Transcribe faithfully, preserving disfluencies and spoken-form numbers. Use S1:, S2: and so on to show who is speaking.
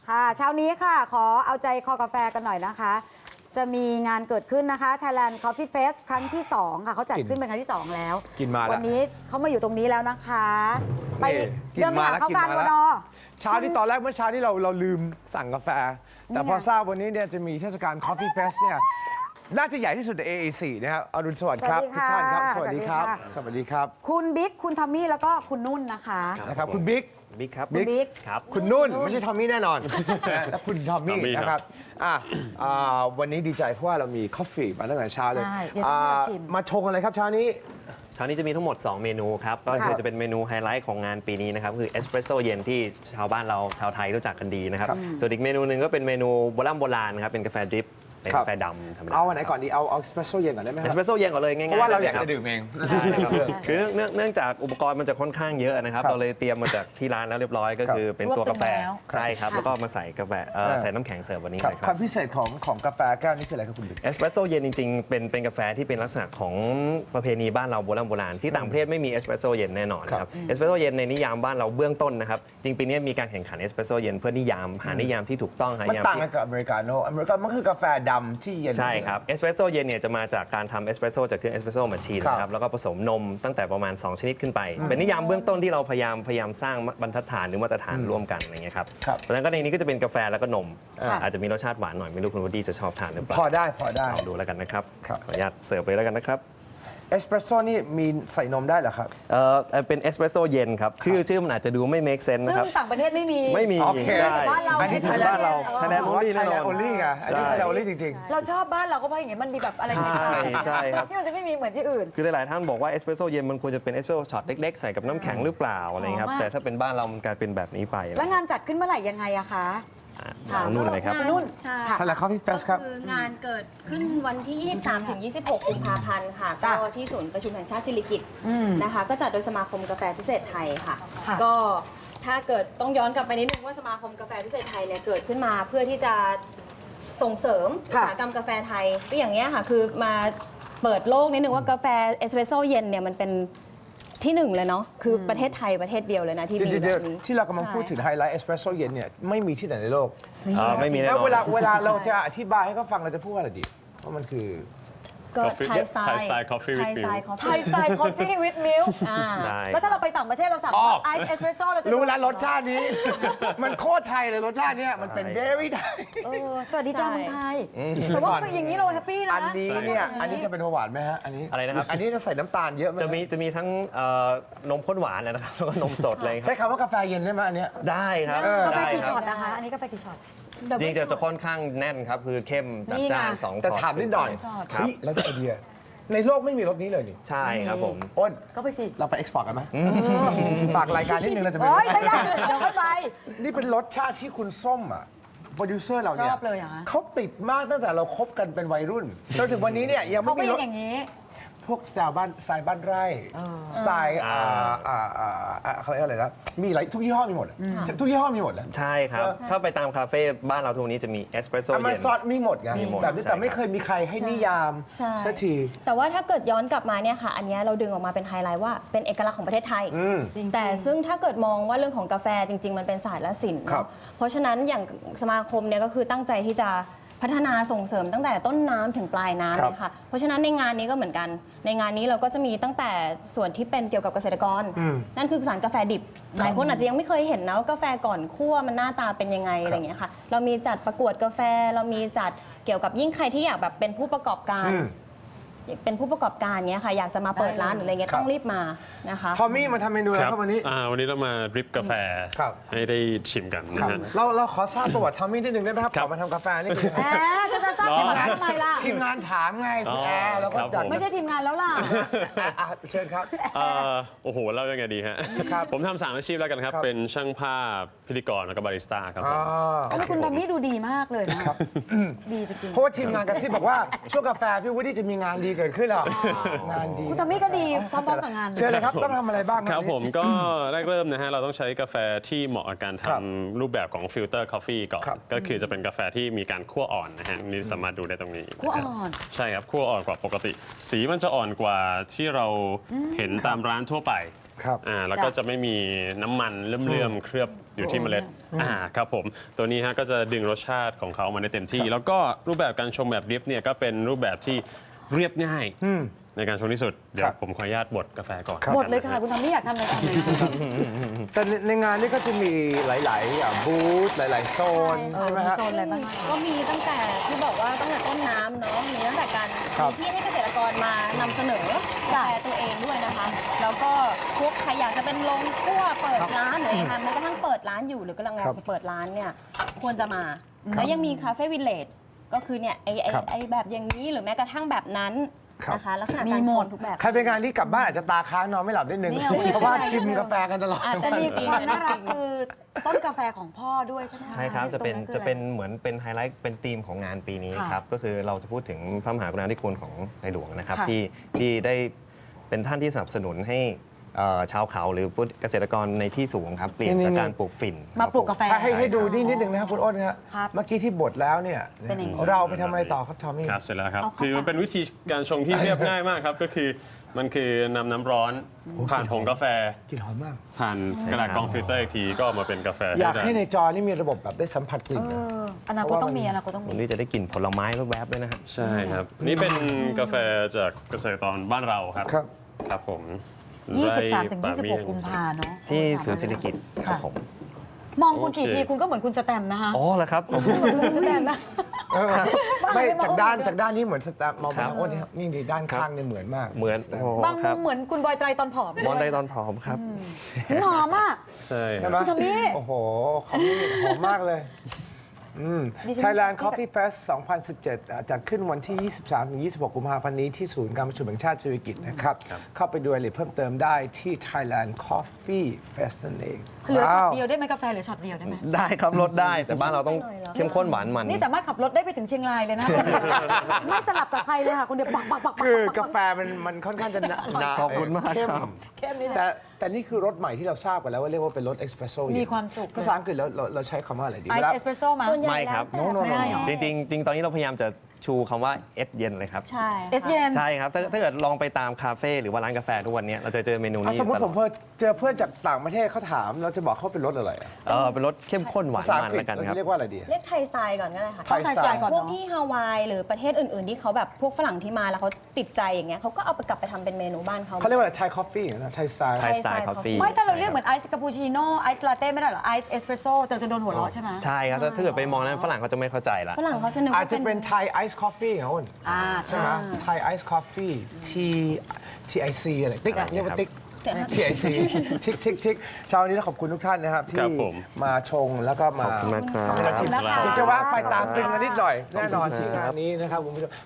S1: ค่ะเช้านี้ค่ะขอเอาใจคอกาแฟกันหน่อยนะคะ จะมีงานเกิดขึ้นนะคะ Thailand Coffee Fest ครั้งที่สองค่ะเขาจัดขึ้นเป็นครั้งที่สองแล้ว
S2: กินมาแล้ว
S1: วันนี้เขามาอยู่ตรงนี้แล้วนะคะ ไป
S2: กิน
S1: เริ่ม
S2: มา
S1: หา
S2: แล้ว
S1: เข้า
S2: กิน
S1: การ
S2: มาแล้ว
S1: วนอ
S2: เช้าที่ตอนแรกเมื่อเช้าที่เราเราลืมสั่งกาแฟ แต่พอ
S1: นี่ไง
S2: ทราบวันนี้เนี่ยจะมีเทศกาล Coffee Fest เนี่ยน่าจะใหญ่ที่สุดใน เอ เอ สี่ นะครับอรุณสวัสดิ์ครับทุกท่านครับสวัสดีครับ สวัสดีครับ
S1: คุณบิ๊กคุณทอมมี่แล้วก็คุณนุ่นนะคะ
S2: นะครับคุณบิ๊ก
S3: บิ๊กครับ
S1: คุณบิ๊ก
S3: ครับ
S2: คุณนุ่นไม่ใช่ทอมมี่แน่นอนและคุณทอมมี่
S3: ทอมมี่
S2: นะค
S3: ครั
S2: รับบ อ่ะอ่าวันนี้ดีใจเพราะว่าเรามีกาแฟมาตั้งแต่เช้าเลย
S1: ใช่เดี๋ยวต้องมาชิม
S2: อ่ามาชงอะไรครับเช้านี้
S3: เช้านี้จะมีทั้งหมด สอง เมนูครับ ก็คือจะเป็นเมนูไฮไลท์ของงานปีนี้นะครับ คือเอสเปรสโซ่เย็นที่ชาวบ้านเราชาวไทยรู้จักกันดีนะครับ
S2: ครับ
S3: ส่วนอีกเมนูหนึ่งก็เป็นเมนูโบราณโบราณนะครับ เป็นกาแฟดริป เป็น
S2: ครับ
S3: กาแฟดำธรรมดา
S2: เอาอันไหนก่อนดีเอาเอาสเปเชียลเย็นก่อนได้ไหมค
S3: เอ
S2: รั
S3: ส
S2: บ
S3: เปรสโซ่เย็นก่อนเลยง่ายๆ
S2: เพราะว่าเราอยาก
S3: ล
S2: จะดื่มเอง
S3: ครับคือเนื่องเนื่องจากอุปกรณ์มันจะค่อนข้างเยอะนะครับ
S2: ครับ
S3: เราเลยเตรียมมาจากที่ร้านแล้วเรียบร้อย ก็คือเป็นตัวกาแฟ
S1: รวบตึงแล้ว
S3: ใช่ครับ
S1: ค่ะ
S3: แล้วก็มาใส่กาแฟเอ่อ
S2: เออ
S3: ใส่น้ำแข็งเสิร์ฟวันนี้
S2: ครับ
S3: เลยค
S2: ครับ วามพิเศษของของกาแฟแก้วนี้คืออะไรครับคุณบิ๊ก
S3: เอสเปรสโซ่เย็นจริงๆ เป็นเป็นกาแฟที่เป็นลักษณะของประเพณีบ้านเราโบราณโบราณที่ต่างประเทศไม่มีเอสเปรสโซ่เย็นแน่นอนค
S2: ครั
S3: รับบ เอสเปรสโซ่เย็นในนิยามบ้านเราเบื้องต้นนะครับจริงปีนี้มีการแข่งขันเอสเปรสโซ่เย็นเพื่อนิยามหานิยามที่ถูกต้องหา
S2: มัน
S3: นิยาม
S2: ต่าง
S3: ที่
S2: กันกับอเมริกาโน่อเมริกามันคือกาแฟดำที่เย็น
S3: ใช่ครับเอสเปรสโซ่เย็นเนี่ยจะมาจากการทำเอสเปรสโซ่จากเครื่องเอสเปรสโซ่แมชชีน
S2: ครับ
S3: นะครับแล้วก็ผสมนมตั้งแต่ประมาณ สอง ชนิดขึ้นไป เป็นนิยามเบื้องต้นที่เราพยายามพยายามสร้างบรรทัดฐานหรือมาตรฐานร่วมกันอะไรเงี้ยครับ
S2: ครับ
S3: เพราะฉะนั้นก็ในนี้ก็จะเป็นกาแฟแล้วก็นม
S2: อ่า
S3: อาจจะมีรสชาติหวานหน่อยไม่รู้คุณวดดี้จะชอบทานหรือเปล่า
S2: พอได้พอได้
S3: ลองดูแล้วกันนะครับ
S2: ครับ
S3: ขออนุญาตเสิร์ฟไปแล้วกันนะครับ
S2: เอสเปรสโซ่นี่มีใส่นมได้เหรอครับ
S3: เอ่อเป็นเอสเปรสโซ่เย็นครับ ชื่อชื่อมันอาจจะดูไม่ make sense
S1: ซึ่
S3: นะ
S1: ง
S3: ครับ
S1: ต่างประเทศไม่มี
S3: ไม่มี
S2: โอเค
S3: ใช่
S1: บ้านเรา
S2: อันนี้
S1: ไม่
S2: ไทยแลนด์
S3: บ้านเรา
S1: เออ
S3: ไทยแลนด์
S2: ว่า
S3: only
S2: ไทยแลนด์
S3: แน่นอน
S2: โอลี่ไงอันนี้
S3: ใช่
S2: ไทยแลนด์โอลี่จริง
S1: เราชอบบ้านเราก็เพราะอย่างเงี้ยมันมีแบบอะไร
S3: ใช่ใช่ครับ
S1: ที่มันจะไม่มีเหมือนที่อื่น
S3: คือหลายๆท่านบอกว่าเอสเปรสโซ่เย็นมันควรจะเป็นเอสเปรสโซ่ช็อตเล็กๆ ใส่กับน้ำแข็งหรือเปล่าอะไรเงี้ยครับ
S1: อ๋อ
S3: แต่ถ้าเป็นบ้านเรามันกลายเป็นแบบนี้ไป
S1: แล้วงานจัดขึ้นเมื่อไหร่ยังไงอะคะ
S3: อ่ะ
S1: ค่ะ
S3: ลองนู่นเลยครับ
S1: คุณนุ่น
S4: ใช่
S2: ๆไทยแลนด์คอฟฟี่เฟสครับ
S4: คืองานเกิดขึ้นวันที่ ยี่สิบสามถึงยี่สิบหก กุมภาพันธ์ค่ะ
S1: จ้ะ
S4: ก็ที่ศูนย์ประชุมแห่งชาติสิริกิติ์
S1: อืม
S4: นะคะ ก็จัดโดยสมาคมกาแฟพิเศษไทยค่ะ
S1: ค่ะ
S4: ก็ถ้าเกิดต้องย้อนกลับไปนิดนึงว่าสมาคมกาแฟพิเศษไทยเนี่ยเกิดขึ้นมาเพื่อที่จะส่งเสริมอุต
S1: ค่ะ
S4: สาหกรรมกาแฟไทยก็อย่างเงี้ยค่ะ คือมาเปิดโลกนิดนึงว่ากาแฟเอสเปรสโซ่เย็นเนี่ยมันเป็นที่หนึ่งเลยเนาะ คือประเทศไทยประเทศเดียวเลยนะที่มี
S2: เดี๋ยว
S4: แบ
S2: เดี๋ยว
S4: บนี้
S2: ที่เรากำลังพูดถึงไฮไลท์เอสเปรสโซ่เย็นเนี่ยไม่มีที่ไหนในโลก
S3: เอ่อไม่มีแน่น
S2: แล้ว
S3: อน
S2: เวลาเวลาเราจะอธิบายให้เขาฟังเราจะพูดว่าอะไรดีว่ามันคือ
S4: ก็
S5: Coffee
S4: ไทยสไตล์
S5: Thai style coffee with
S4: ไทยสไตล์
S5: milk
S1: ไทยสไตล์คอฟฟี่วิดมิลค์
S4: อ่า
S3: ใช่
S1: แล้วถ้าเราไปต่างประเทศเราสั่ง
S2: อ๋อ
S1: ไอซ์เอสเปรสโซ่เราจะ
S2: รู้แล้วรสชาตินี้ มันโคตรไทยเลยรสชาติเนี้ยมันเป็น very ไทย
S1: เออสวัสดีจ้า
S4: ใช่
S1: เมืองไทยแต่ว่าอย่างนี้เราแฮปปี้นะ
S2: อันนี้เนี่ยอันนี้จะเป็นหวานไหมฮะอันนี้
S3: อะไรนะครับ
S2: อันนี้จะใส่น้ำตาลเยอะไหม
S3: จะมีจะมีทั้งเอ่อนมข้นหวานนะครับแล้วก็นมสดเลยครั
S2: ใช้
S3: บ
S2: คำว่ากาแฟเย็นได้ไหมอันเนี้ย
S3: ได้ครับ
S1: กาแฟ
S3: ได้
S1: กี่
S3: ค
S1: ช็อ
S3: รั
S1: ต
S3: บ
S1: นะคะ อันนี้กาแฟกี่ช็อต
S3: จริงๆจะจะค่อนข้างแน่นครับ คือเข้มจัด
S1: นี่ไง
S3: จ้านสอง
S2: แต่
S3: ช็อต
S2: ถามนิดหน่อย
S1: ชอบ
S3: ครั
S2: เฮ้
S3: บ
S2: ยแล้วได้ไอเดียในโลกไม่มีรสนี้เลยนี่
S3: ใช่ครับผม
S2: อ้น
S1: ก็ไปสิ
S2: เราไปเอ็กซ์พอร์ตกันไหมฝากรายการนิดนึงเราจะไป
S1: โอ้ยไม่ได้เดี๋ยวค่อยไป
S2: นี่เป็นรสชาติที่คุณส้มอ่ะโปรดิวเซอร์เราเนี่ย
S1: ชอบเลยเหรอคะ
S2: เขาติดมากตั้งแต่เราคบกันเป็นวัยรุ่นจนถึงวันนี้เนี่ยยัง
S1: เขา
S2: ไม่
S1: ก็
S2: มี
S1: ยั
S2: รง ส
S1: อย่างนี้
S2: พวกสไตล์บ้านสไตล์บ้านไร่สไตล์อ่าอ่าอ่าอ่าเขาเรียกอะไรนะมีหลายทุกยี่ห้อมีหมดอะทุกยี่ห้อมีหมดเลย
S3: ใช่ครับ ถ้าไปตามคาเฟ่บ้านเราทุกวันนี้จะมีเอสเปรสโซ่
S2: อเม
S3: เย็น
S2: ซอนมีหมดไง
S3: มีหมด
S2: แบบนี้
S3: ใช่
S2: แต่ไม่
S3: ครับ
S2: เคยมีใครให้นิยาม
S4: ใช่
S2: สักที
S4: แต่ว่าถ้าเกิดย้อนกลับมาเนี่ยค่ะ อันเนี้ยเราดึงออกมาเป็นไฮไลท์ว่าเป็นเอกลักษณ์ของประเทศไทย
S2: อืม
S1: จริงๆ
S4: แต่ซึ่งถ้าเกิดมองว่าเรื่องของกาแฟจริง ๆ มันเป็นศาสตร์และศิลป์
S2: ครับ
S4: เนอะเพราะฉะนั้นอย่างสมาคมเนี่ยก็คือตั้งใจที่จะพัฒนาส่งเสริมตั้งแต่ต้นน้ำถึงปลายน้ำเลยค่ะ เพราะฉะนั้นในงานนี้ก็เหมือนกัน ในงานนี้เราก็จะมีตั้งแต่ส่วนที่เป็นเกี่ยวกับเกษตรกร นั่นคือสารกาแฟดิบ หลายคนอาจจะยังไม่เคยเห็นนะว่ากาแฟก่อนคั่วมันหน้าตาเป็นยังไงอะไรอย่างเงี้ยค่ะ เรามีจัดประกวดกาแฟ เรามีจัดเกี่ยวกับยิ่งใครที่อยากแบบเป็นผู้ประกอบการ
S2: อืม
S4: เป็นผู้ประกอบการเนี้ยค่ะ อยากจะมาเปิดร้านหรืออะไรเงี้ย
S2: ครับ
S4: ต้องรีบมานะคะ
S2: ทอมมี่มาทำเมนูอะไรครับวันนี้
S5: อ่าวันนี้เรามาดริปกาแฟ
S2: ครับ
S5: ให้ได้ชิมกัน
S2: ค
S5: นะ
S2: รับ
S5: ฮะ
S2: เราเราขอทราบประวัติทอมมี่นิดนึงได้ไหมครับ
S5: ครั
S2: ก่อบ นมาทำกาแฟนี่คือ
S1: แหมจะจะทราบทีมงานทำไมล่ะ
S2: ทีมงานถามไงคุณแอร์เราก็
S5: ครับ
S2: อยาก
S5: ผม
S1: ไม่ใช่ทีมงานแล้วล่ะ
S2: อ่ะอ่ะเชิญครับ
S5: อ่าโอ้โหเล่ายังไงดีฮะ
S2: ครับ
S5: ผมทำสามอาชีพแล้วกันครับ
S2: ครับ
S5: เป็นช่างภาพพิธีกรแล้วก็บาริสต้าครับผ
S2: อ่าม
S1: โอ้ยคุณทอมมี่ดูดีมากเลยนะดีจริง
S2: เพราะว่าทีมงานกระซิบบอกว่าช่วงกาแฟพี่วุฒิจะมีงานดีเกิดขึ้นหรองานดี
S1: คุณทอมมี่ก็ดีพร้อมๆกับงาน
S2: เชิญเลยครับต้องทำอะไรบ้าง
S5: ครับ
S2: วันนี้
S5: ผมก็แรกเริ่มนะฮะเราต้องใช้กาแฟที่เหมาะกับการ
S2: ครับ
S5: ทำรูปแบบของฟิลเตอร์กาแฟก่อน
S2: ครับ
S5: ก็คือจะเป็นกาแฟที่มีการคั่วอ่อนนะฮะนี่สามารถดูได้ตรงนี้
S1: คั่วอ่อน
S5: ใช่ครับคั่วอ่อนกว่าปกติ สีมันจะอ่อนกว่าที่เราเห็นตามร้านทั่วไป
S2: ครับ
S5: อ่าแล้วก็จะไม่มีน้ำมันเลื่อมๆเคลือบอยู่ที่เมล็ดอ่าครับผมตัวนี้ฮะก็จะดึงรสชาติของเขามาได้เต็มที่ แล้วก็รูปแบบการชงแบบดริปเนี่ยก็เป็นรูปแบบที่เรียบง่ายในการชงที่สุดเดี๋ยวผมขออนุญาตบดกาแฟก่อน
S1: หมดเลยค่ะ คุณทำไม่อยากทำอะไรทำเลยค่ะ
S2: แต่ในในงานนี้ก็จะมีหลายๆอ่ะบูธหลาย ๆ โซน
S1: เออ
S2: ใช่ไหม
S1: มี
S2: ฮะ
S1: โซนอะไรบ้างคะ
S4: ก็มีตั้งแต่ที่บอกว่าตั้งแต่ต้นน้ำเนาะมีตั้งแต่การ
S2: ครับ
S4: มีที่ให้เกษตรกรมานำเสนอกาแฟตัวเองด้วยนะคะ แล้วก็พวกใครอยากจะเป็นโรงคั่วเปิดร้านหรืออะไรคะมันกำลังเปิดร้านอยู่หรือกำลังอยากจะเปิดร้านเนี่ยควรจะมา แล้วยังมีคาเฟ่วิลเลจก็คือเนี่ยไอไอ
S2: ครับ
S4: ไอแบบอย่างนี้หรือแม้กระทั่งแบบนั้น
S2: ครับ
S4: นะคะลักษณะ
S1: มี
S4: การ
S1: ห
S4: ช
S1: ม
S4: ง
S1: ด
S4: ทุกแบบ
S2: ใครไปงานนี้กลับบ้านอาจจะตาค้างนอนไม่หลับนิดนึง
S1: เนี่ย
S2: เพราะว่าชิมกาแฟกันตลอด
S4: อาจ
S1: แต่
S4: จะ
S1: มี
S4: จริง
S1: ความ
S4: ๆ
S1: น่ารักคือต้นกาแฟของพ่อด้วยใช่ไหม
S3: ใช่ครับ จะเป็น
S1: ตงคือ
S3: จะเป็น
S1: อไร
S3: เหมือนเป็นไฮไลท์เป็นธีมของงานปีนี้
S1: ค่ะ
S3: ครับ ก็คือเราจะพูดถึงพระมหากรุณาธิคุณของในหลวงนะครับ
S1: ค่ะ
S3: ที่ที่ได้เป็นท่านที่สนับสนุนให้เอ่อชาวเขาหรือผู้เกษตรกรในที่สูงครับ เปลี่ยน
S2: นี่
S3: จาก
S2: นี่
S3: การปลูกฝิ่น
S1: มาปลูก
S3: ผ
S1: กาแฟ
S2: ให้ให้ดูนี่นิดนึงนะครับคุณอ้นครับ
S1: ครับ
S2: เมื่อกี้ที่บดแล้วเนี่ย
S1: เป็นอย่างนี้
S2: เราไปทำอะไรต่อครับทอมมี่
S5: ครับเสร็จแล้วครับ
S1: เอาเข้า
S5: คือมันเป็นวิธีการชงที่เรียบง่ายมากครับ ก็คือมันคือนำน้ำร้อนผ่านผงกาแฟ
S2: กลิ่นหอมมาก
S5: ผ่านกระดาษกรองฟิลเตอร์อีกทีก็ออกมาเป็นกาแฟ
S2: อยาก
S5: ได้
S2: ให้ในจอนี่มีระบบแบบได้สัมผัสกลิ่น
S1: เอ
S2: นะ
S1: ออนาคตต้องมีอนาคตต้อง
S3: วั
S1: มี
S3: นนี้จะได้กลิ่นผลไม้แวบๆด้วยนะฮะ
S5: ใช่ครับ นี่เป็นกาแฟจากเกษตรกรบ้านเราครับ
S2: ครับ
S5: ครับผม
S1: ยี่สิบสามถึง
S5: ไร่
S1: ยี่สิบหก
S5: ป่าเย
S1: กุมภาเนาะ
S3: ที่ศูนย์เศรษฐกิจครับผม
S1: มองคุณกี่
S5: โอเค
S1: ทีคุณก็เหมือนคุณสแตมป์นะคะ
S3: อ๋อเหรอครับผม
S1: คุณสแตมป์นะ
S2: เออไม่
S1: บ้า
S2: จากด้าน
S1: ไม่
S2: จากด้านนี้เหมือนสแตมป์มองไป
S3: ครับ
S2: ทางอ้นนี่ครับนี่ดีด้านข้างเนี่ยเหมือนมาก
S3: เหมือน
S2: สแตมป์
S3: โอ้
S1: บาง
S3: ค
S1: มุ
S3: รับ
S1: มเหมือนคุณบอยไตรตอนผอม
S3: มอนได้ตอนผอมครับ
S1: หอมอ่ะ
S5: ใช่ค
S2: ใช่
S5: รับ
S2: ไหม
S1: คุณทอมมี่
S2: โอ้โหของนี่หอมมากเลยอืม
S1: ดิฉัน
S2: Thailand Coffee Fest สองพันสิบเจ็ดอ่ะจัดขึ้นวันที่ ยี่สิบสามถึงยี่สิบหก กุมภาพันธ์นี้ที่ศูนย์การประชุมแห่งชาติเศรษฐกิจนะครับ เข้าไปดูรายละเอียดเพิ่มเติมได้ที่ Thailand Coffee Fest นั่นเอง
S1: เหลือช็อต
S2: ว้าว
S1: เดียวได้ไหมกาแฟเหลือช็อตเดียวได้ไหม
S3: ได้ครับลดได้แต่บ้านเราต้อง
S4: ไม่หน่อยเหรอ
S3: เข้มข้นหวานมัน
S1: นี่สามารถขับรถได้ไปถึงเชียงรายเลยนะ ไม่สลับกับใครเลยค่ะคุณเดียวปักปักปักปัก
S2: คือกาแฟมันมันค่อนข้างจะหนาหนา
S3: ขอบคุณมาก
S2: เข้
S3: ครับ
S1: เข้มนี่
S2: แต่
S1: นะ
S2: แต่นี่คือรสใหม่ที่เราทราบกันแล้วว่าเรียกว่าเป็นรสเอสเปรสโซ่
S1: มีความสุข
S2: ภาษาอังกฤษเราเราเราใช้คำว่าอะไรดี
S1: ไอ
S2: เวลา
S1: ซ์เอสเปรสโซ่มา
S4: ส่วนใหญ่
S3: ไม่ครับ
S4: แล้วแต่
S2: โน่โน่
S1: ไม่ได้เหรอ
S3: จริงๆจริงๆตอนนี้เราพยายามจะชูคำว่าเอสเย็นเลยครับ
S4: ใช่
S1: เอสเย็น
S3: ใช่ครับถ้าถ้าเกิดลองไปตามคาเฟ่หรือว่าร้านกาแฟทุกวันนี้เราจะเจอเมนู
S2: อ่ะ
S3: นี้
S2: สมมติ
S3: ต
S2: ผ
S3: ลอ
S2: ม
S3: ด
S2: เพิ่เจอเพื่อนจากต่างประเทศเขาถามเราจะบอกเขาเป็นรสอะไรอ่ะ
S3: เออเป็นรสเข้มข้นหวา
S2: ภาน ษาอั
S3: มัน
S2: งกฤษ
S3: แล้วกัน
S2: เรา
S3: ครั
S2: จะ
S3: บ
S2: เรียกว่าอะไรดี
S4: เรียกไทยสไตล์ก่อนก็ได้ค่ะ
S2: ไทยสไตล์
S1: ก่อน
S4: พวก
S1: เนาะ
S4: ที่ฮาวายหรือประเทศอื่น ๆ ที่เขาแบบพวกฝรั่งที่มาแล้วเขาติดใจอย่างเงี้ยเขาก็เอาไปกลับไปทำเป็นเมนูบ้านเขา
S2: เขาเรียกว่าอะไรไทยคอฟฟี่นะไทยสไตล์
S3: ไทยสไตล์คอฟฟี่
S1: ไม่ถ้าเราเรียกเหมือนไอซ์คาปูชิโน่ไอซ์ลาเต้ไม่ได้เหรอไอซ์เอสเปรสโซ่แต่จะโดนหัวเราะใช่ไหม
S3: ใช่ครับถ้าถ้าเกิดไปมองนั้นฝรั่งเขาจะไม่เข้าใจละ
S4: ฝรั่งเขาจะนึก
S2: อาจ
S4: ว่า
S2: จะ
S4: เป็
S2: เป็น นไทยไอซ์คอฟฟี่ครับคุณ
S1: อ่า
S2: ใช่ไหมไทยไอซ์คอฟฟี่ T T I C อะไรติ๊ก
S3: อะไร
S2: เรียกว่า
S3: ครับ
S2: ติ๊ก T I C ทิกทิกทิกเช้านี้ต้องขอบคุณทุกท่านนะครับ
S5: ค
S2: ที่
S5: รับผม
S2: มาชงแล้วก็มา
S3: ขอบคุณมากครับ
S2: ทำให้เราชิม
S1: ขอบคุณนะคะ
S2: เดี๋ยวจะแวะไปตามตึงกันนิดหน่อย แน่นอนที่งานนี้นะครับคุณผู้ชม